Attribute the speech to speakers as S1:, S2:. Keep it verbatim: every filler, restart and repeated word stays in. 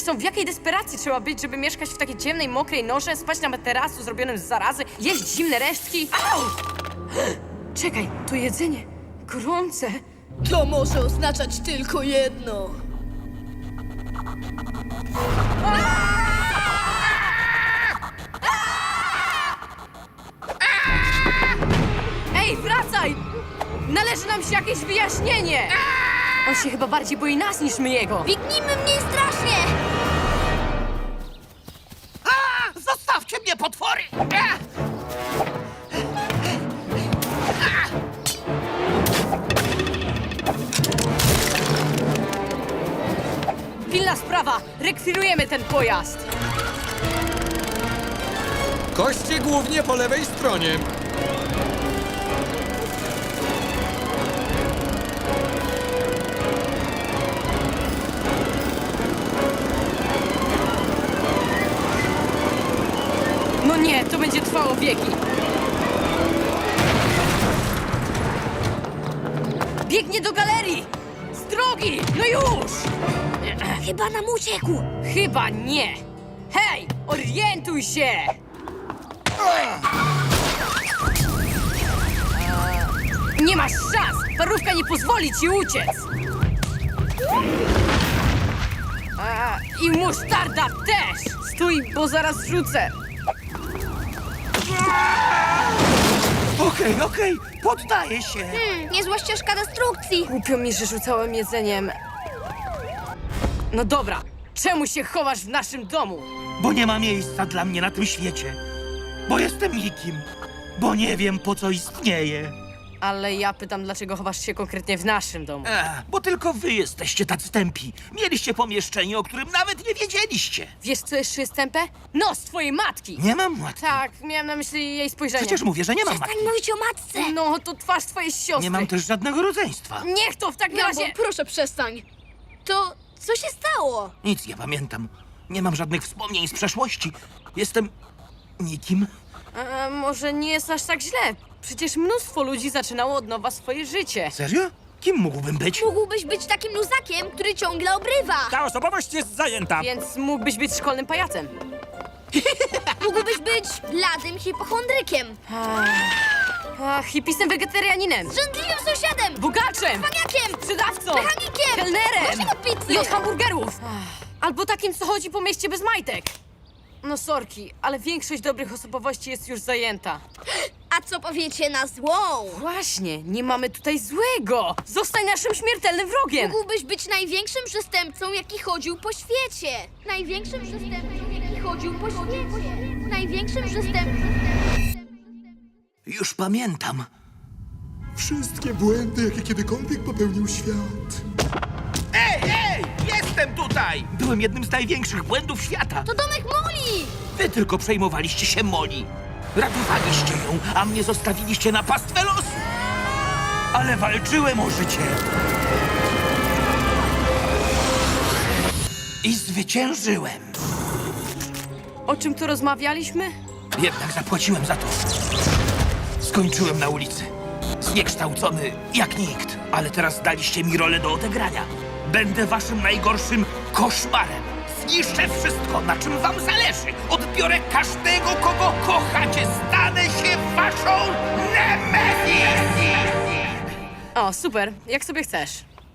S1: Zresztą w jakiej desperacji trzeba być, żeby mieszkać w takiej ciemnej, mokrej norze, spać na materacu zrobionym z zarazy, jeść zimne resztki? Au! Czekaj, to jedzenie. Gorące.
S2: To może oznaczać tylko jedno.
S1: Ej, wracaj! Należy nam się jakieś wyjaśnienie! On się chyba bardziej boi nas niż my jego.
S2: Biegnijmy mniej strasznie!
S3: A! Zostawcie mnie, potwory! A!
S1: Pilna sprawa! Rekwirujemy ten pojazd!
S4: Koście głównie po lewej stronie.
S1: No nie, to będzie trwało wieki. Biegnie do galerii! Z drogi! No już!
S2: Chyba nam uciekł.
S1: Chyba nie! Hej! Orientuj się! Nie masz szans! Parówka nie pozwoli ci uciec! A, I musztarda też! Stój, bo zaraz rzucę!
S3: Okej, okej, poddaję się.
S2: Hmm, niezła ścieżka destrukcji.
S1: Głupio mi, że rzucałem jedzeniem. No dobra, czemu się chowasz w naszym domu?
S3: Bo nie ma miejsca dla mnie na tym świecie. Bo jestem nikim. Bo nie wiem, po co istnieję.
S1: Ale ja pytam, dlaczego chowasz się konkretnie w naszym domu?
S3: Ech, bo tylko wy jesteście tacy tępi. Mieliście pomieszczenie, o którym nawet nie wiedzieliście.
S1: Wiesz, co jeszcze jest tępe? Nos twojej matki!
S3: Nie mam matki.
S1: Tak, miałem na myśli jej spojrzenie.
S3: Przecież mówię, że nie mam matki.
S2: Przestań mówić o matce.
S1: No, to twarz twojej siostry.
S3: Nie mam też żadnego rodzeństwa.
S1: Niech to w takim
S2: Gambo,
S1: razie...
S2: proszę przestań. To co się stało?
S3: Nic nie pamiętam. Nie mam żadnych wspomnień z przeszłości. Jestem nikim.
S1: E, może nie jest aż tak źle. Przecież mnóstwo ludzi zaczynało od nowa swoje życie.
S3: Serio? Kim mógłbym być?
S2: Mógłbyś być takim luzakiem, który ciągle obrywa.
S5: Ta osobowość jest zajęta.
S1: Więc mógłbyś być szkolnym pajacem.
S2: Mógłbyś być bladym hipochondrykiem.
S1: A, hipisem wegetarianinem.
S2: Żądliwym sąsiadem.
S1: Bogaczem.
S2: Maniakiem.
S1: Sprzedawcą.
S2: Mechanikiem.
S1: Kelnerem.
S2: Gościem od pizzy.
S1: I od hamburgerów. Albo takim, co chodzi po mieście bez majtek. No sorki, ale większość dobrych osobowości jest już zajęta.
S2: A co powiecie na złą?
S1: Właśnie, nie mamy tutaj złego. Zostań naszym śmiertelnym wrogiem.
S2: Mógłbyś być największym przestępcą, jaki chodził po świecie. Największym przestępcą, jaki chodził po świecie. Największym przestępcą.
S3: Już pamiętam.
S6: Wszystkie błędy, jakie kiedykolwiek popełnił świat.
S3: Ej, ej! Jestem tutaj! Byłem jednym z największych błędów świata.
S2: To domek Moli!
S3: Wy tylko przejmowaliście się Moli. Ratowaliście ją, a mnie zostawiliście na pastwę losu. Ale walczyłem o życie. I zwyciężyłem.
S1: O czym tu rozmawialiśmy?
S3: Jednak zapłaciłem za to. Skończyłem na ulicy. Zniekształcony jak nikt. Ale teraz daliście mi rolę do odegrania. Będę waszym najgorszym koszmarem. Zniszczę wszystko, na czym wam zależy. Odbiorę każdego, kogo kochacie. Stanę się waszą Nemesis!
S1: O, super, jak sobie chcesz.